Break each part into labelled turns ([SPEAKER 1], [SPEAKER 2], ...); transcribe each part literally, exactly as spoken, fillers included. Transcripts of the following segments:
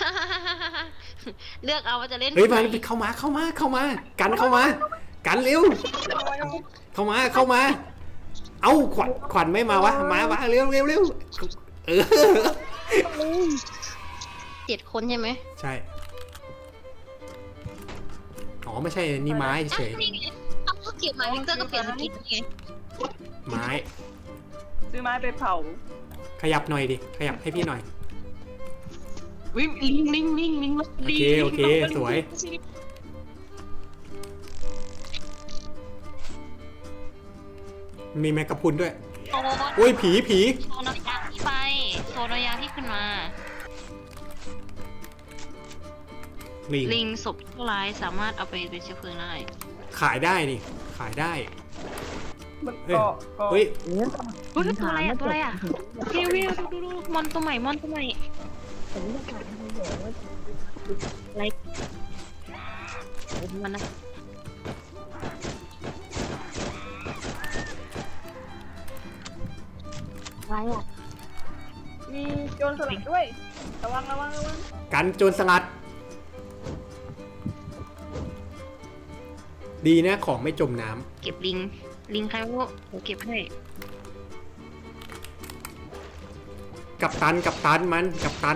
[SPEAKER 1] เลือกเอาว่าจะเล่น
[SPEAKER 2] เฮ้ยมาเข้ามาเข้ามาเข้ามากันเข้ามากันเร็วเข้ามาเข้ามาเอ้าขวัญขวัญไม่มาวะมาวะเร็วเร็วเร็วเออ
[SPEAKER 1] เจ็ดคนใช่ไหม
[SPEAKER 2] ใช่อ๋อไม่ใช่นี่ไม้เฉย
[SPEAKER 1] เอาก็เก็บไม้วิกเตอร์ก็เปลี่ยนสกินไง
[SPEAKER 2] ไม้
[SPEAKER 3] ซื้อไม้ไปเผา
[SPEAKER 2] ขยับหน่อยดิขยับให้พี่หน่อย
[SPEAKER 1] วิ่งลิงลิงลิงลิง
[SPEAKER 2] โอเคโอเคสวยมีแมกกาพุนด้วยโอ้ยผีผี
[SPEAKER 1] โซนยาที่ไปโซนยาที่ขึ้นมา
[SPEAKER 2] ลิง
[SPEAKER 1] ลิงศพผู้ร้ายสามารถเอาไปเป็นเชื้อเพลิงได้
[SPEAKER 2] ขายได้นี่ขายได้
[SPEAKER 3] มันก็
[SPEAKER 2] เฮ้ย
[SPEAKER 1] เฮ้ยตัวอะไรอ่ะตัวอะไรอ่ะวิววิวดูดูดูมอนตัวใหม่มอนตัวใหม่อะไรมันนะอะไรอ่ะ
[SPEAKER 3] มีโจรสลัดด้วยระวังระวังระวัง
[SPEAKER 2] กันโจรสลัดดีนะของไม่จมน้
[SPEAKER 1] ำเก็บลิงลิงใครวะโอเก็บให้
[SPEAKER 2] กับตันกับตันมันกับตัน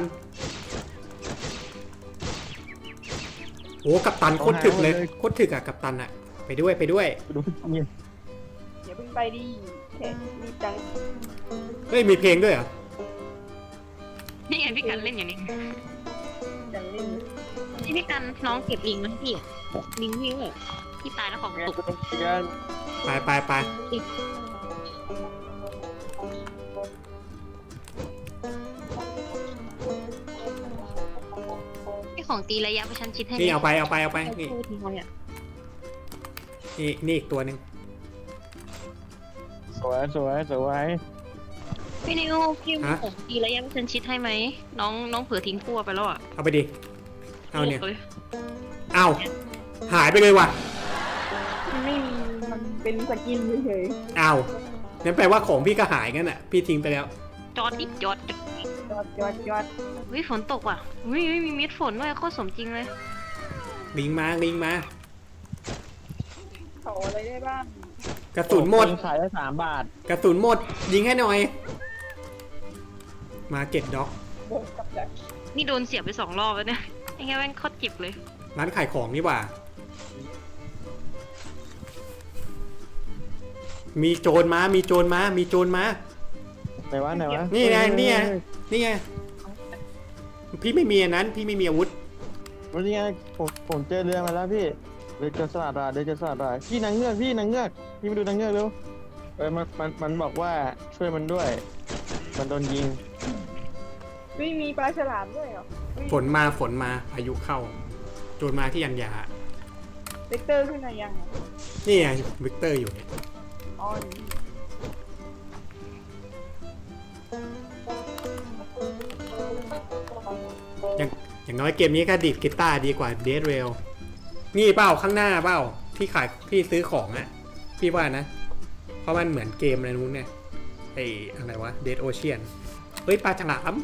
[SPEAKER 2] โอ้กับตันโคตรถึกเลยโคตรถึกอะกับตันอะไปด้วยไปด้วย
[SPEAKER 3] อย่าเพิ่งไปดิแค่รีบจัง
[SPEAKER 2] เฮ้ยมีเพลงด้วยเหรอ
[SPEAKER 1] นี่ไงพี่กันเล่นอย่างนี้
[SPEAKER 3] จังเล่น
[SPEAKER 1] นี่พี่กันน้องเก็บลิงนะพี่ลิงวิ่งเลยพี่ตายแล้วของตก
[SPEAKER 2] ไปไปไป
[SPEAKER 1] นี่ของตีระยะประชันชิดให้
[SPEAKER 2] นี่เอาไปเอาไปเอาไปนี่นี่นี่อีกตัวหนึ่ง
[SPEAKER 4] สวยสวยสวย
[SPEAKER 1] พี่นิวพี่มีของตีระยะประชันชิดให้ไหมน้องน้องเผื่อทิ้งพั่วไปแล้วอ่ะ
[SPEAKER 2] เอาไปดิเอาเนี่ยเอาหายไปเลยว่ะ
[SPEAKER 3] ไม่มีมันเป็นสกินเฉย
[SPEAKER 2] ๆอ้าวนั่นแปลว่าของพี่ก็หายงั้นอ่ะพี่ทิ้งไปแล้ว
[SPEAKER 1] จอดดิจอด
[SPEAKER 3] จอดจอดจอด
[SPEAKER 1] วิฝนตกว่ะวิมีเม็ดฝนด้วยโคตรสมจริงเลย
[SPEAKER 2] ลิงมาลิงมา
[SPEAKER 3] เขาอะไรได้บ้าง
[SPEAKER 2] กระสุนหมด
[SPEAKER 4] ขายได้สามบาท
[SPEAKER 2] กระสุนหมดยิงให้หน่อยมาเก็ตด็อก
[SPEAKER 1] นี่โดนเสียบไปสองรอบแล้วเนี่ยไอ้แง่แม่งโคตรจิบเลย
[SPEAKER 2] ร้านขายของนี่ว่ามีโจรมามีโจรมามีโจรมา
[SPEAKER 4] ไหนวะไหนวะ
[SPEAKER 2] นี่ไงนี่ไงนี่ไงพี่ไม่มีอันนั้นพี่ไม่มีอาวุธ
[SPEAKER 4] วันนี้ไงผมผมเจอเรือมาแล้วพี่เรือจะสลัดอะเรือจะสลัดอะพี่นางเงือกพี่นางเงือกพี่มาดูนางเงือกเร็วเออมันมันมันบอกว่าช่วยมันด้วยมันโดนยิง
[SPEAKER 3] ไม่มีปลาฉลามด้วยเหรอ
[SPEAKER 2] ฝนมาฝนมาพายุเข้าโจรมาที่ยันยา
[SPEAKER 3] วิกเตอร์ขึ้นมายัง
[SPEAKER 2] นี่ไงวิกเตอร์อยู่เนี่ย
[SPEAKER 3] อ๋อ
[SPEAKER 2] อย่างอย่างน้อยเกมนี้ก็ดีดกีตาร์ดีกว่าเดดเรลนี่เป้าข้างหน้าเป้าที่ขายที่ซื้อของอ่ะพี่ว่านะเพราะมันเหมือนเกมอะไรนู้นเนี่ยไออะไรวะเดดโอเชียนเฮ้ยปลาฉลาม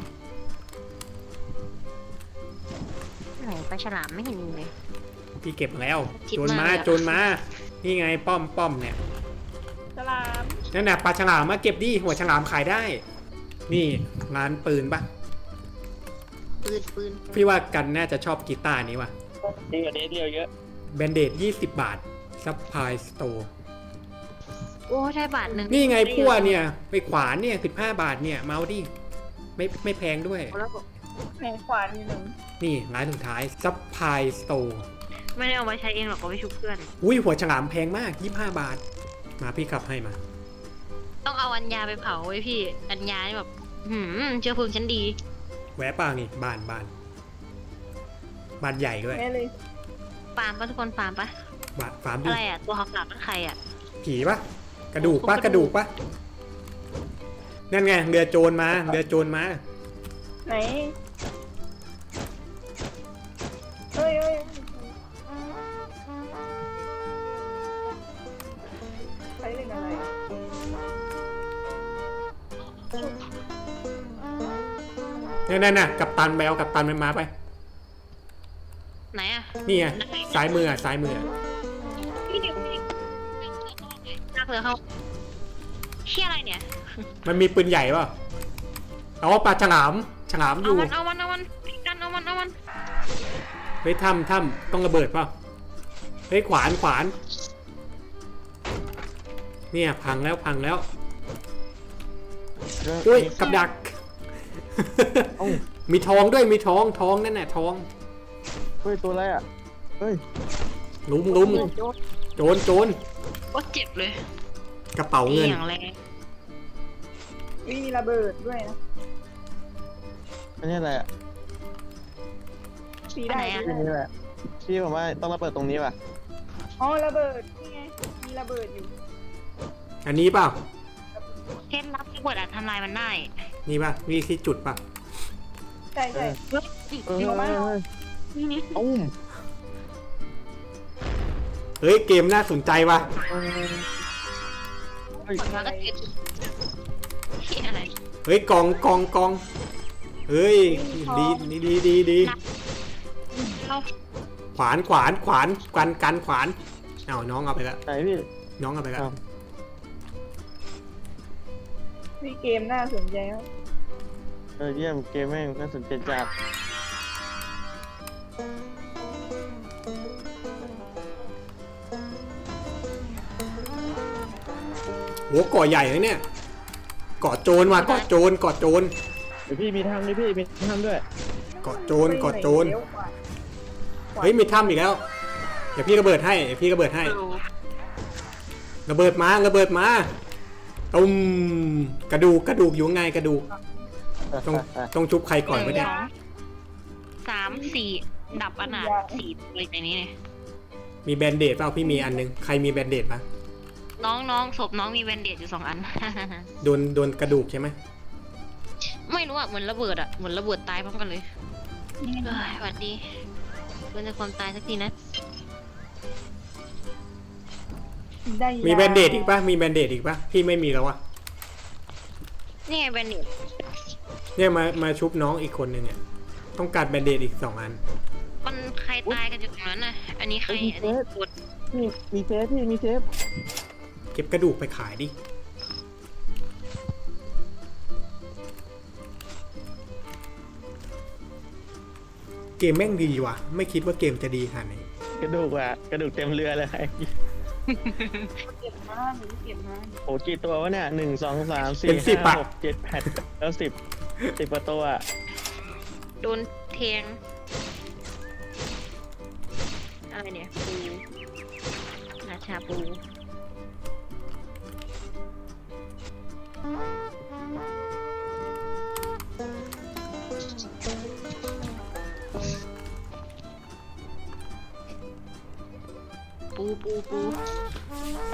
[SPEAKER 1] ไหนปลาฉลามไม่เห็นเลย
[SPEAKER 2] พี่เก็บมาแล้วโจรมาโจรมานี่ไงป้อมป้อมเนี่ย
[SPEAKER 3] ฉลาม
[SPEAKER 2] นั่นน่ะปลาฉลามมาเก็บดิหัวฉลามขายได้นี่ร้านปืนปะ
[SPEAKER 1] ปืนปืน
[SPEAKER 2] พี่ว่ากันน่าจะชอบกีตาร์นี้ว่ะ
[SPEAKER 4] ดีกว่าเดทเดียวเยอะ
[SPEAKER 2] แบนเดดยี่สิบบาทซัพพลายสโตร์
[SPEAKER 1] โอ้ใช่บาทหนึ่ง
[SPEAKER 2] นี่ไงพั่วเนี่ยไปขวานเนี่ยสิบห้าบาทเนี่ยเมาดิไม่ไม่แพงด้วย
[SPEAKER 3] แพงขวานนิดนึง
[SPEAKER 2] นี่ร้านสุดท้ายซัพพลายสโตร์
[SPEAKER 1] ไม่ได้เอาไว้ใช้เองหรอกเอาไว้ชุบเพื่อน
[SPEAKER 2] อุ้ยหัวฉลามแพงมากยี่สิบห้าบาทมาพี่ขับให้มา
[SPEAKER 1] ต้องเอาอัญญาไปเผาไว้พี่อัญญานี่แบบหืมเชื้อเพลิงชั้นดี
[SPEAKER 2] แวะป่านี่บ้านบ้านบ้านใหญ่ด้วย
[SPEAKER 1] ฟาร์มปะทุกคนฟาร์มปะ
[SPEAKER 2] บ้านฟาร์ม
[SPEAKER 1] อะไรอ่ะตัวขาวๆนั่นใครอ่ะ
[SPEAKER 2] ผีปะกระดูกปะกระดูกปะนั่นไงเรือโจรมาเรือโจรมา
[SPEAKER 3] ไหนเฮ้ยเฮ้ยใช้เรื่องอะไร
[SPEAKER 2] นั่นน่ะกับตันไปเอากับตันมันมาไป
[SPEAKER 1] ไหนอะ
[SPEAKER 2] นี่ไงซ้ายมืออ่ะซ้ายมืออะ
[SPEAKER 1] พี่เดี๋ยวพี่นักเรือเขาเชี่ยอะไรเนี่ย
[SPEAKER 2] มันมีปืนใหญ่ป่ะเอาปลาฉลามฉลามอ
[SPEAKER 1] เอา
[SPEAKER 2] ยู่
[SPEAKER 1] มันเอามันเอามันกันเอามันเอามัน
[SPEAKER 2] เฮ้ยถ้ำถ้ำต้องระเบิดป่ะเฮ้ยขวานขวานเนี่ยพังแล้วพังแล้วอุ้ยกับดัก
[SPEAKER 4] เอ้า
[SPEAKER 2] มีทองด้วยมีทองทองนั่นแหละทอง
[SPEAKER 4] เฮ้ยตัวอะไรอ่ะเฮ้ย
[SPEAKER 2] ลุมลุมโจรโจร
[SPEAKER 1] ก็เจ็บเลย
[SPEAKER 2] กระเป๋าเงิน
[SPEAKER 1] อย่างแรง
[SPEAKER 3] มีระเบิดด้วยนะ
[SPEAKER 4] อันนี้อะไรอ่ะ
[SPEAKER 3] สีได้
[SPEAKER 4] ที่นี่แหละพี่ผมว่าต้องระเบิดตรงนี้ว่ะ
[SPEAKER 3] อ๋อระเบิดนี่ไงมีระเบิดอยู่
[SPEAKER 2] อันนี้เปล่า
[SPEAKER 1] เคล็ดลับระเบิดอาจทำลายมันได้
[SPEAKER 2] นี่ป่ะมีที่จุดป่ะ
[SPEAKER 3] ใช่ใช่
[SPEAKER 1] เฮ้ย
[SPEAKER 4] เออเฮ้ยเฮ้ย
[SPEAKER 1] นี่นี่
[SPEAKER 4] อุ้ม
[SPEAKER 2] เฮ้ยเกมน่าสนใจว่ะ
[SPEAKER 4] เออเฮ้ย
[SPEAKER 1] ผลมาก็เจ็บเชี่ยอะไร
[SPEAKER 2] เฮ้ยกองกองกองเฮ้ยดีดีดีดีดี
[SPEAKER 1] เข้า
[SPEAKER 2] ขวานขวานขวานกันกันขวานเอาน้องเอาไปแล้ว
[SPEAKER 4] ไหนพี่
[SPEAKER 2] น้องเอาไปแล้ว
[SPEAKER 4] ครับ
[SPEAKER 3] มีเกมน่าสนใจมาก
[SPEAKER 4] เออเยี่ยมเกมแม่งน่าสนใจจัด
[SPEAKER 2] โหเกาะใหญ่เลยเนี่ยเกาะโจรว่ะเกาะโจรเกาะโจร
[SPEAKER 4] เดี๋ยวพี่มีทำด้วยพี่มีทำด้วย
[SPEAKER 2] เกาะโจรเกาะโจร
[SPEAKER 3] เลี้ยวขวา
[SPEAKER 2] เฮ้ยมีถ้ำอีกแล้วเดี๋ยวพี่ระเบิดให้เดี๋ยวพี่ระเบิดให้
[SPEAKER 1] ดู
[SPEAKER 2] ระเบิดมาระเบิดมาตุ้มกระดูกกระดูกอยู่ไงกระดูกต้องต้องชุบใครก่อนวะเนี่ย
[SPEAKER 1] สองสามสี่ดับอนาถสี่เลยในนี้เนี่ย
[SPEAKER 2] มีแบนเดดเปล่าพี่มีอันนึงใครมีแบนเดดปะ
[SPEAKER 1] น้องน้องศพน้องมีแบนเดดอยู่สองอัน
[SPEAKER 2] โดนโดนกระดูกใช่ไหม
[SPEAKER 1] ไม่รู้อ่ะเหมือนระเบิดอ่ะเหมือนระเบิดตายพร้อมกันเลยเอ้ยสวัสดีเพื่อนจะความตายสักทีนะ
[SPEAKER 3] ได้
[SPEAKER 2] มีแบนเดดอีกปะมีแบนเดดอีกปะพี่ไม่มีแล้วอะ
[SPEAKER 1] นี่ไงแบนเดด
[SPEAKER 2] เนี่ยมามาชุบน้องอีกคนนึงเนี่ยต้องการแบนเดดอีกสองอัน
[SPEAKER 1] มันใครตายกันอยู่ตรงนั้นน่ะอันนี้ใครอันนี้กด
[SPEAKER 4] พี่มีเซฟพี่มีเซฟ
[SPEAKER 2] เก็บกระดูกไปขายดิเกมแม่งดีว่ะไม่คิดว่าเกมจะดีขนาดนี้
[SPEAKER 4] กระดูกอ่ะกระดูกเต็มเรือเลย
[SPEAKER 3] เก็บมากหนูเก็บมาก
[SPEAKER 4] โอ้กี่ตัววะเนี่ยหนึ่งสองสามสี่
[SPEAKER 2] เป็นสิบ
[SPEAKER 4] ห้า
[SPEAKER 2] อะ
[SPEAKER 4] หกเจ็ดแปดแล้วสิบสิบกว่าตัวอะ
[SPEAKER 1] โดนแทงอะไรเนี่ยปูราชาปูปูปูปูไอ้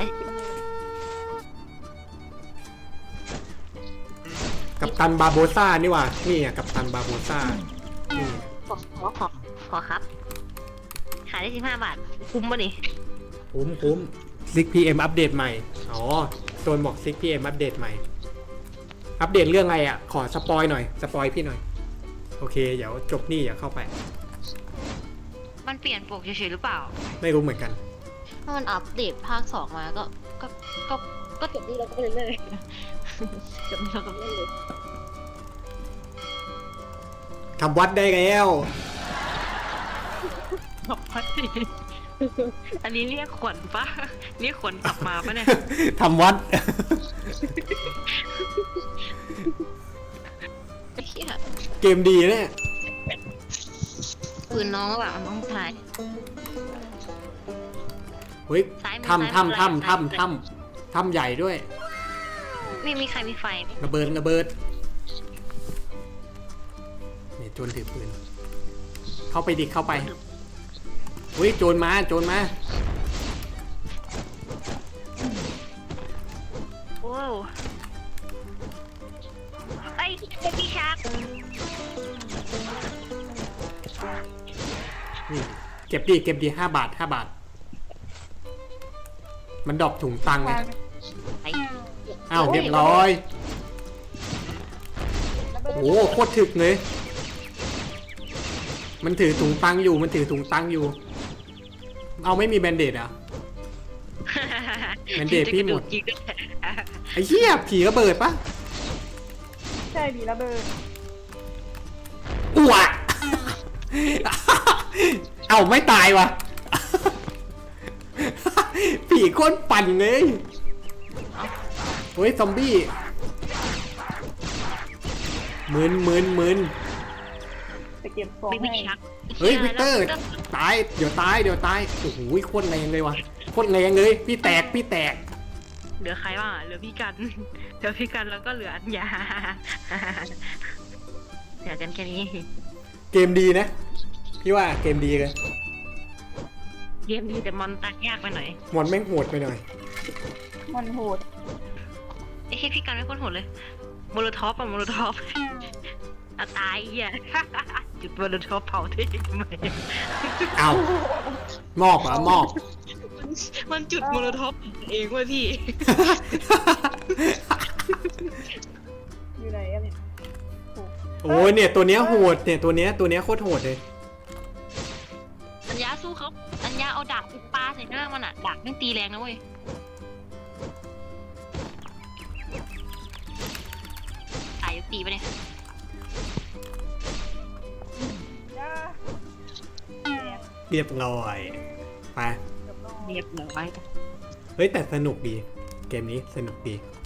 [SPEAKER 2] กัปตันบาโบซ่านี่ว่ะนี่อ่ะกัปตันบาโบซ่านี่
[SPEAKER 1] ขอขอขอขอครับ ขายได้สิบห้าบาท คุ้มป่ะนี่
[SPEAKER 2] คุ้มคุ้ม ซิก พี เอ็ม อัปเดตใหม่ อ๋อโซนบอก ซิก พี เอ็ม อัปเดตใหม่ อัปเดตเรื่องอะไรอ่ะ ขอสปอยหน่อย สปอยพี่หน่อย โอเค เดี๋ยวจบนี่อย่าเข้าไป
[SPEAKER 1] มันเปลี่ยนปกเฉยๆหรือเปล่า
[SPEAKER 2] ไม่รู้เหมือนกัน
[SPEAKER 1] ถ้ามันอัปเดตภาคสองมาก็ ก็ ก็ ก็จบนี่แล้วก็ไปเรื่อยๆ จบนี่แล้วก็ไปเรื่อย
[SPEAKER 2] ทำวัดได้แล้ว
[SPEAKER 1] ๆบอกว่าอันนี้เรียกขวัญปะเรียกขวัญกลับมาปะเนี่ย
[SPEAKER 2] ทำวัด
[SPEAKER 1] ไอ้เหี้ย
[SPEAKER 2] เกมดีเนี่ย
[SPEAKER 1] ปืนน้องแบบน้องชาย
[SPEAKER 2] เฮ้ย
[SPEAKER 1] ซ้ายมือ
[SPEAKER 2] ทำ
[SPEAKER 1] ซ้ายมือ
[SPEAKER 2] ทำทำ
[SPEAKER 1] ซ้ายมือ
[SPEAKER 2] ทำทำทำใหญ่ด้วย
[SPEAKER 1] ไม่มีใครมีไฟไหม
[SPEAKER 2] ระเบิดระเบิดเนี่ยโจรถือปืน เข้าไปดิเข้าไปเฮ้ยโจรมาโจรมา
[SPEAKER 1] โอ้ไอ้เบบี้ชาร์ก
[SPEAKER 2] นี่เก็บดิเก็บดิห้าบาทห้าบาท มันดรอปถุงตังค์ไง
[SPEAKER 1] ไอ้
[SPEAKER 2] อ้าวเรียบร้อยโอ้โหโคตรถึกเลยมันถือถุงตังอยู่มันถือถุงตังอยู่ เอาไม่มีแบนเดดอ่ะ แบนเดดพี่หมด
[SPEAKER 1] จริงด้วย
[SPEAKER 2] ไอ้เหี้ยผีระเบิดปะ
[SPEAKER 3] ใช่ดีระเบิด
[SPEAKER 2] อ้วก เอาไม่ตายวะ ผีโคนปั่นเลยเฮ้ยซอมบี้มึนมึนมึน
[SPEAKER 3] ไปเก็บของ
[SPEAKER 1] ไม่ไม่
[SPEAKER 3] ให้
[SPEAKER 1] ชัก
[SPEAKER 2] เฮ้ยวิกเตอร์ตายเดี๋ยวตายเดี๋ยวตายโอ้โหโคตรแรงเลยวะโคตรแรงเลยพี่แตกพี่แตก
[SPEAKER 1] เหลือใครบ้างอะเหลือพี่กัน เหลือพี่กันแล้วก็เหลืออัญญา เหลือกันแค่นี้
[SPEAKER 2] เกมดีนะพี่ว่าเกมดีเลย
[SPEAKER 1] เกมดีแต่มอนตักยากไปหน่อย
[SPEAKER 2] มอนแม่งโหดไปหน่อย
[SPEAKER 3] มันโหด
[SPEAKER 1] ไอ้แค่พี่กันไม่พ้นโหดเลยโมโลท็อปอะโมโลท็อป อะตายอ่ะ จุดโมโลท็อปเผาที่ทำไม
[SPEAKER 2] เอามอบอ่ะมอบ
[SPEAKER 1] มันจุดโมโลท็อปเองเว้ยพี่
[SPEAKER 3] อยู่ไหนอะเนี่ย
[SPEAKER 2] โอ้ยเนี่ยตัวเนี้ยโหดเนี่ยตัวเนี้ยตัวเนี้ยโคตรโหดเลย
[SPEAKER 1] อัญญาสู้เขาอัญญาเอาดาบไปปาใส่หน้ามันอะดาบไม่งตีแรงนะเว้ยตายยกตีไปเนี่ย
[SPEAKER 3] จ้าแอบ
[SPEAKER 2] เรียบร้อยไป
[SPEAKER 3] กับน้อง
[SPEAKER 1] เรียบร้อย
[SPEAKER 2] เฮ้ยแต่สนุกดี เกมนี้สนุกดี